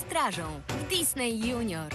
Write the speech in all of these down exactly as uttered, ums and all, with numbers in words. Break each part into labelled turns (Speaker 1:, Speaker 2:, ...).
Speaker 1: strażą w Disney Junior.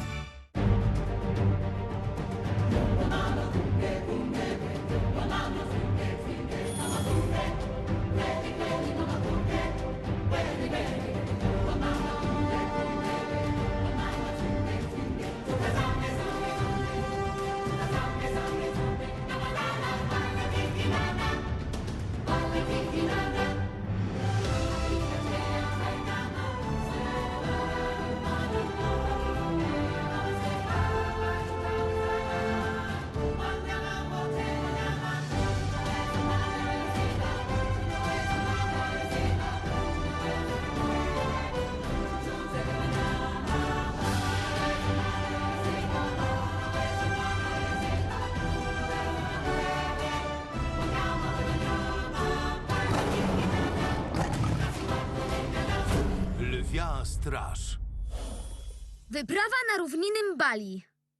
Speaker 2: Lwia straż.
Speaker 3: Wyprawa na równinnym Bali.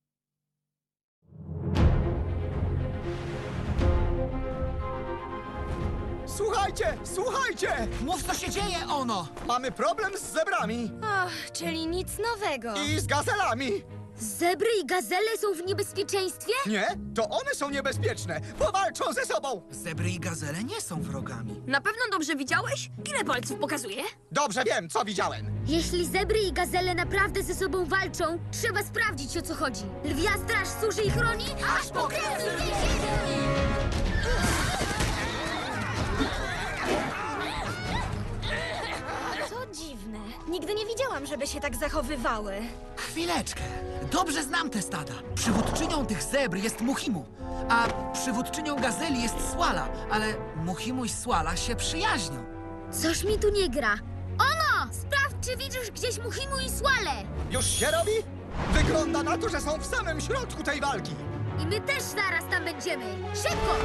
Speaker 4: Słuchajcie, słuchajcie!
Speaker 5: Mów, co się dzieje, Ono!
Speaker 4: Mamy problem z zebrami
Speaker 3: Och, czyli nic nowego.
Speaker 4: i z gazelami.
Speaker 3: Zebry i gazele są w niebezpieczeństwie?
Speaker 4: Nie, to one są niebezpieczne. Powalczą ze sobą.
Speaker 5: Zebry i gazele nie są wrogami.
Speaker 1: Na pewno dobrze widziałeś? Ile palców pokazuje?
Speaker 4: Dobrze wiem, co widziałem.
Speaker 3: Jeśli zebry i gazele naprawdę ze sobą walczą, trzeba sprawdzić, o co chodzi. Lwia straż służy i chroni, aż po kres więzienia! To dziwne. Nigdy nie widziałam, żeby się tak zachowywały.
Speaker 5: Chwileczkę. Dobrze znam te stada. Przywódczynią tych zebr jest Muchimu, a przywódczynią gazeli jest Swala, ale Muchimu i Swala się przyjaźnią.
Speaker 3: Coś mi tu nie gra. Ono! Sprawdź, czy widzisz gdzieś Muchimu i Swalę!
Speaker 4: Już się robi? Wygląda na to, że są w samym środku tej walki.
Speaker 3: I my też zaraz tam będziemy. Szybko!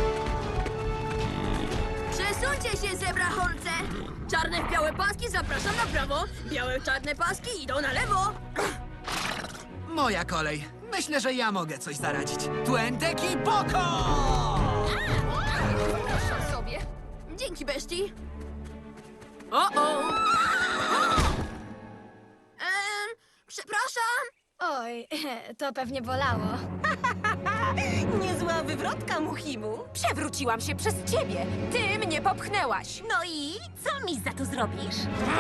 Speaker 1: Przesuńcie się, zebrachorce! Czarne w białe paski zapraszam na prawo, białe czarne paski idą na lewo.
Speaker 5: Moja kolej. Myślę, że ja mogę coś zaradzić. Tuenteki Boko!
Speaker 1: Proszę sobie. Dzięki, bestii. O-o! Ehm, przepraszam.
Speaker 3: Oj, to pewnie bolało.
Speaker 6: Niezła wywrotka, Muchimu. Przewróciłam się przez ciebie. Ty mnie popchnęłaś. No i co mi za to zrobisz?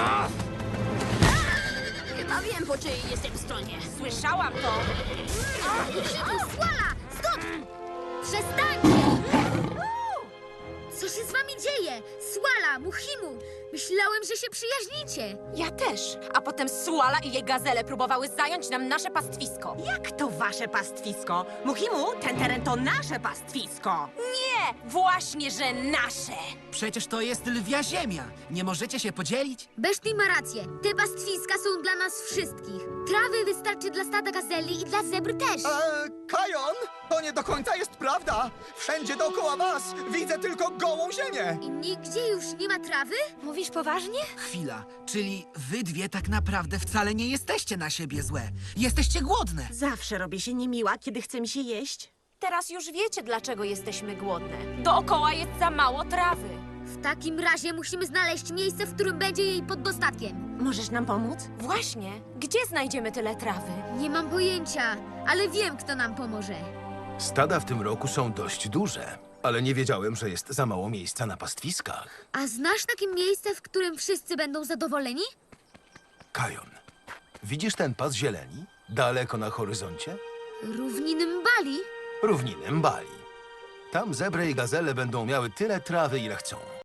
Speaker 1: Chyba wiem, po czyjej jestem stronie.
Speaker 6: Słyszałam to.
Speaker 3: Muchimu, Swala! Stop! Przestańcie! Co się z wami dzieje? Swala, Muchimu! Myślałem, że się przyjaźnicie.
Speaker 6: Ja też. A potem Suala i jej gazele próbowały zająć nam nasze pastwisko.
Speaker 7: Jak to wasze pastwisko? Muchimu, ten teren to nasze pastwisko.
Speaker 6: Nie! Właśnie, że nasze!
Speaker 5: Przecież to jest lwia ziemia. Nie możecie się podzielić?
Speaker 3: Beszti ma rację. Te pastwiska są dla nas wszystkich. Trawy wystarczy dla stada gazeli i dla zebr też.
Speaker 4: Eee, Kajon, to nie do końca jest prawda. Wszędzie dookoła was widzę tylko gołą ziemię.
Speaker 3: I nigdzie już nie ma trawy? Mówisz poważnie?
Speaker 5: Chwila. Czyli wy dwie tak naprawdę wcale nie jesteście na siebie złe. Jesteście głodne.
Speaker 7: Zawsze robię się niemiła, kiedy chce mi się jeść.
Speaker 6: Teraz już wiecie, dlaczego jesteśmy głodne. Dookoła jest za mało trawy.
Speaker 3: W takim razie musimy znaleźć miejsce, w którym będzie jej pod dostatkiem.
Speaker 7: Możesz nam pomóc?
Speaker 6: Właśnie. Gdzie znajdziemy tyle trawy?
Speaker 3: Nie mam pojęcia, ale wiem, kto nam pomoże.
Speaker 2: Stada w tym roku są dość duże, ale nie wiedziałem, że jest za mało miejsca na pastwiskach.
Speaker 3: A znasz takie miejsce, w którym wszyscy będą zadowoleni?
Speaker 2: Kajon, widzisz ten pas zieleni? Daleko na horyzoncie?
Speaker 3: Równiny Bali?
Speaker 2: Równiny Bali. Tam zebry i gazele będą miały tyle trawy, ile chcą.